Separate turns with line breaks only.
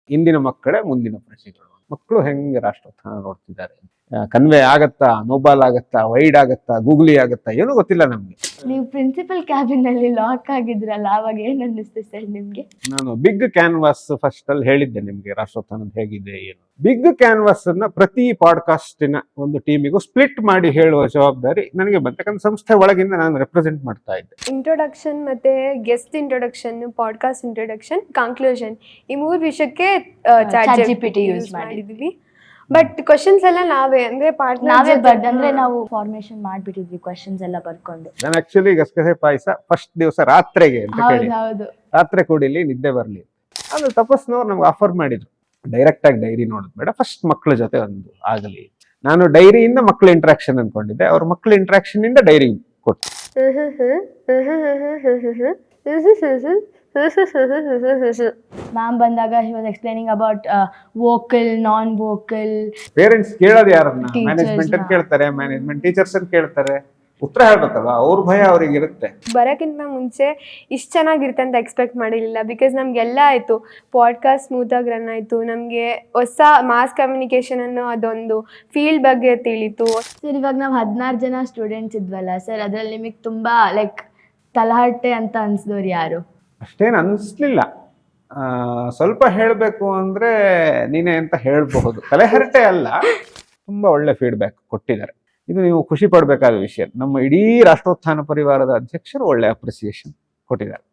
ಇಂದಿನ ಮಕ್ಕಳೇ ಮುಂದಿನ ಪ್ರಜೆಗಳು. ಮಕ್ಕಳು ಹೆಂಗೆ ರಾಷ್ಟ್ರೋತ್ಥಾನ ನೋಡ್ತಿದ್ದಾರೆ, ಕನ್ವೆ ಆಗತ್ತಾ, ಮೊಬೈಲ್ ಆಗತ್ತಾ, ವೈಡ್ ಆಗತ್ತಾ, ಗೂಗ್ಲಿ ಆಗತ್ತಾ, ಏನೂ ಗೊತ್ತಿಲ್ಲ ನಮ್ಗೆ.
ನೀವು ಪ್ರಿನ್ಸಿಪಲ್ ಕ್ಯಾಬಿನ್ ಅಲ್ಲಿ ಲಾಕ್ ಆಗಿದ್ರಲ್ಲ, ಅವಾಗ ಏನ್ ಅನ್ನಿಸ್ತು ಸರ್ ನಿಮ್ಗೆ?
ನಾನು ಬಿಗ್ ಕ್ಯಾನ್ವಾಸ್ ಫಸ್ಟ್ ಅಲ್ಲಿ ಹೇಳಿದ್ದೆ ನಿಮ್ಗೆ ರಾಷ್ಟ್ರೋತ್ಥಾನ ಹೇಗಿದೆ ಏನು. ಬಿಗ್ ಕ್ಯಾನ್ವಾಸ್ ಅನ್ನ ಪ್ರತಿ ಪಾಡ್ಕಾಸ್ಟಿನ ಒಂದು ಟೀಮಿಗೂ ಸ್ಪ್ಲಿಟ್ ಮಾಡಿ ಹೇಳುವ ಜವಾಬ್ದಾರಿ ನನಗೆ ಬಂತು. ಯಾಕಂದ್ರೆ ಸಂಸ್ಥೆ ಒಳಗಿಂದ ನಾನು ರೆಪ್ರೆಸೆಂಟ್ ಮಾಡ್ತಾ ಇದ್ದೆ.
ಇಂಟ್ರೊಡಕ್ಷನ್ ಮತ್ತೆ guest introduction, podcast introduction, conclusion, ಈ 3 ವಿಷಯಕ್ಕೆ
ChatGPT ಯೂಸ್
ಮಾಡಿದ್ವಿ. ಬಟ್ ಕ್ವಶನ್ಸ್ ಎಲ್ಲ ನಾವೇ ಅಂದ್ರೆ
ನಾವೇ ಅಂದ್ರೆ ನಾವು ಫಾರ್ಮೇಶನ್ ಮಾಡ್ಬಿಟ್ಟಿದ್ವಿ ಕ್ವಶನ್ಸ್ ಎಲ್ಲ ಬರ್ಕೊಂಡು.
ನಾನು ಆಕ್ಚುಲಿ ಗಸಗಸೆ ಪಾಯಸ ಫಸ್ಟ್ ದಿವಸ ರಾತ್ರಿಗೆ ಅಂತ ಕೇಳಿ,
ಹೌದು
ರಾತ್ರಿ ಕುಡಿಲಿ ನಿದ್ದೆ ಬರ್ಲಿ. ಆಮೇಲೆ ತಪಸ್ನವ್ರು ನಮ್ಗೆ ಆಫರ್ ಮಾಡಿದ್ರು, ಡೈರೆಕ್ಟ್ ಆಗಿ ಡೈರಿ ನೋಡೋದು ಬೇಡ, ಫಸ್ಟ್ ಮಕ್ಕಳ ಜೊತೆ ಒಂದು ಆಗಲಿ. ನಾನು ಡೈರಿಯಿಂದ ಮಕ್ಕಳ ಇಂಟ್ರಾಕ್ಷನ್ ಅನ್ಕೊಂಡಿದ್ದೆ, ಅವ್ರ ಮಕ್ಕಳ ಇಂಟ್ರಾಕ್ಷನ್ ಇಂದ ಡೈರಿ ಕೊಟ್ಟು.
ಮ್ಯಾಮ್ ಬಂದಾಗ he was explaining about vocal, non-vocal.
Parents ಕೇಳೋದು ಯಾರನ್ನ? ಮ್ಯಾನೇಜ್ಮೆಂಟ್ ಅಂತ ಕೇಳ್ತಾರೆ, ಮ್ಯಾನೇಜ್ಮೆಂಟ್ ಟೀಚರ್ಸ್ ಅಂತ ಕೇಳ್ತಾರೆ. ಉತ್ತರ ಹೇಳ್ಬೇಕಲ್ವಾ, ಅವ್ರ ಭಯ ಅವ್ರಿಗೆ ಇರುತ್ತೆ.
ಬರೋಕ್ಕಿಂತ ಮುಂಚೆ ಇಷ್ಟು ಚೆನ್ನಾಗಿರುತ್ತೆ ಅಂತ ಎಕ್ಸ್ಪೆಕ್ಟ್ ಮಾಡಿರಲಿಲ್ಲ. ಬಿಕಾಸ್ ನಮಗೆಲ್ಲ ಆಯಿತು, ಪಾಡ್ಕಾಸ್ಟ್ ಸ್ಮೂತಾಗಿ ರನ್ ಆಯಿತು, ನಮಗೆ ಹೊಸ ಮಾಸ್ ಕಮ್ಯುನಿಕೇಷನ್ ಅನ್ನೋ ಅದೊಂದು ಫೀಲ್ಡ್ ಬಗ್ಗೆ ತಿಳಿತು.
ಸರ್ ಇವಾಗ ನಾವು 16 ಜನ ಸ್ಟೂಡೆಂಟ್ಸ್ ಇದ್ವಲ್ಲ ಸರ್, ಅದ್ರಲ್ಲಿ ನಿಮಗೆ ತುಂಬಾ ಲೈಕ್ ತಲಹಟ್ಟೆ ಅಂತ ಅನ್ಸಿದವ್ರು ಯಾರು?
ಅಷ್ಟೇನು ಅನಿಸ್ಲಿಲ್ಲ. ಸ್ವಲ್ಪ ಹೇಳಬೇಕು ಅಂದ್ರೆ ನೀನೇ ಅಂತ ಹೇಳಬಹುದು. ತಲೆಹರಟೆ ಅಲ್ಲ, ತುಂಬಾ ಒಳ್ಳೆ ಫೀಡ್ಬ್ಯಾಕ್ ಕೊಟ್ಟಿದ್ದಾರೆ. ಇದು ನೀವು ಖುಷಿ ಪಡಬೇಕಾದ ವಿಷಯ. ನಮ್ಮ ಇಡೀ ರಾಷ್ಟ್ರೋತ್ಥಾನ ಪರಿವಾರದ ಅಧ್ಯಕ್ಷರು ಒಳ್ಳೆ ಅಪ್ರಿಸಿಯೇಷನ್ ಕೊಟ್ಟಿದ್ದಾರೆ.